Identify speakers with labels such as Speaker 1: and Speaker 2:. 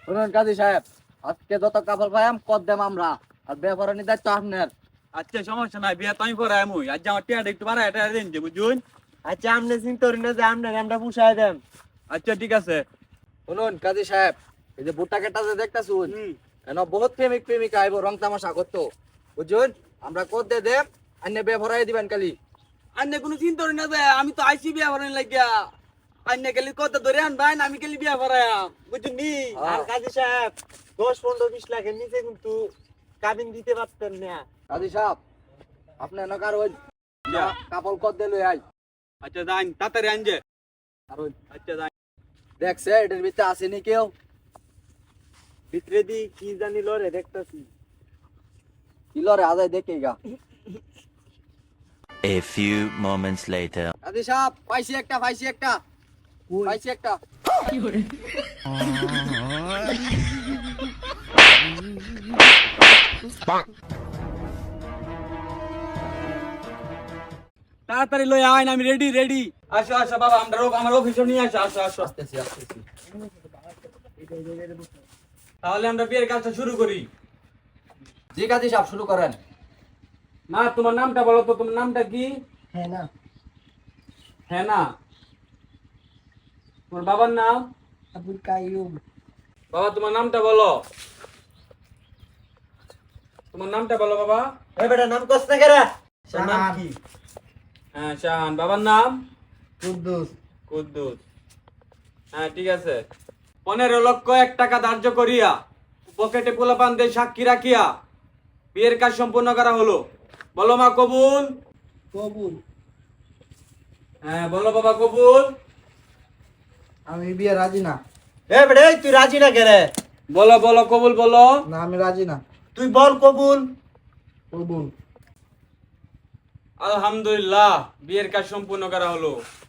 Speaker 1: শুনুন কাজী সাহেব, আজকে যত কাপড় পাইম কর দেম আমরা, আর বেপরানি দায়িত্ব আপনার।
Speaker 2: আচ্ছা সমস্যা নাই, বিয়া তুমি পরে আমি আজ আমার টিয়াটা একটু বাড়ায় এটা দিন যে বুঝুন।
Speaker 3: আচ্ছা আপনি চিন্তা করেন না যে আমরা পুষায় দেন।
Speaker 2: আচ্ছা ঠিক আছে।
Speaker 1: শুনুন কাজী সাহেব, এই যে বুট্টা কেটা যে দেখতাছুন, কেন বহুত প্রেমিক প্রেমিকা আইব রং তামাশা করতো, বুঝুন। আমরা কর দে দেম, আন্নে বেপরাই দিবেন কালি।
Speaker 2: আন্নে কোনো চিন্তা করি না যে আমি তো আইসি বিয়া ভরানি লাগিয়া। আন্নে গেলি কত ধরে আনবেন, আমি গেলি বিয়া ভরায়াম বুঝুন নি।
Speaker 3: আর কাজী সাহেব 10-15-20 লাখের নিচে কিন্তু কাবিন দিতে পারতেন না।
Speaker 1: কাজী সাহেব, আপনি নকার ওই কাপড় কর দে লই আই।
Speaker 2: আচ্ছা যান তাড়াতাড়ি আনজে।
Speaker 1: আর ওই
Speaker 2: আচ্ছা যান।
Speaker 1: দেখছে এটার ভিতরে আসেনি কেউ?
Speaker 3: ভিতরে দি কি জানি লরে দেখতাছি।
Speaker 1: কিলরে আজাই দেখে গা।
Speaker 4: A few moments later.
Speaker 1: কাজী সাহেব, পাইছি একটা পাইছি একটা।
Speaker 2: তাড়াতাড়ি লই আইন, আমি রেডি রেডি। আসো আসো বাবা, আমার অফিসে নিয়ে আসো। আসো আসো।
Speaker 1: আসতেছি।
Speaker 2: তাহলে আমরা বিয়ের কাজটা শুরু করি।
Speaker 1: জি কাজী সাহেব, শুরু করেন।
Speaker 2: মা তোমার নামটা বলো তো, তোমার নামটা কি?
Speaker 3: হ্যাঁ না
Speaker 2: হ্যাঁ না। তোমার বাবার নাম?
Speaker 3: আবুল কাইয়ুম।
Speaker 2: বাবা তোমার নামটা বলো। তোমার নামটা বলো বাবা।
Speaker 3: এ বেটা নাম কস না কেরা?
Speaker 2: তোর নাম কি? হ্যাঁ শাহান। বাবার নাম?
Speaker 3: কুদ্দুস।
Speaker 2: কুদ্দুস। হ্যাঁ ঠিক আছে। 15,00,000 টাকা ধার্য করিয়া পকেটে পোলাপান দিয়ে সাক্ষী রাখিয়া বিয়ের কাজ সম্পূর্ণ করা হলো। বলো মা কবুল।
Speaker 3: কবুল।
Speaker 2: হ্যাঁ বলো বাবা কবুল।
Speaker 1: আমি বিয়ে রাজি না।
Speaker 3: এ বেটা তুই রাজি না কেরে?
Speaker 2: বলো বলো কবুল বলো।
Speaker 1: না, আমি রাজি না।
Speaker 3: তুই বল কবুল।
Speaker 1: কবুল।
Speaker 2: আলহামদুলিল্লাহ, বিয়ের কাজ সম্পূর্ণ করা হলো।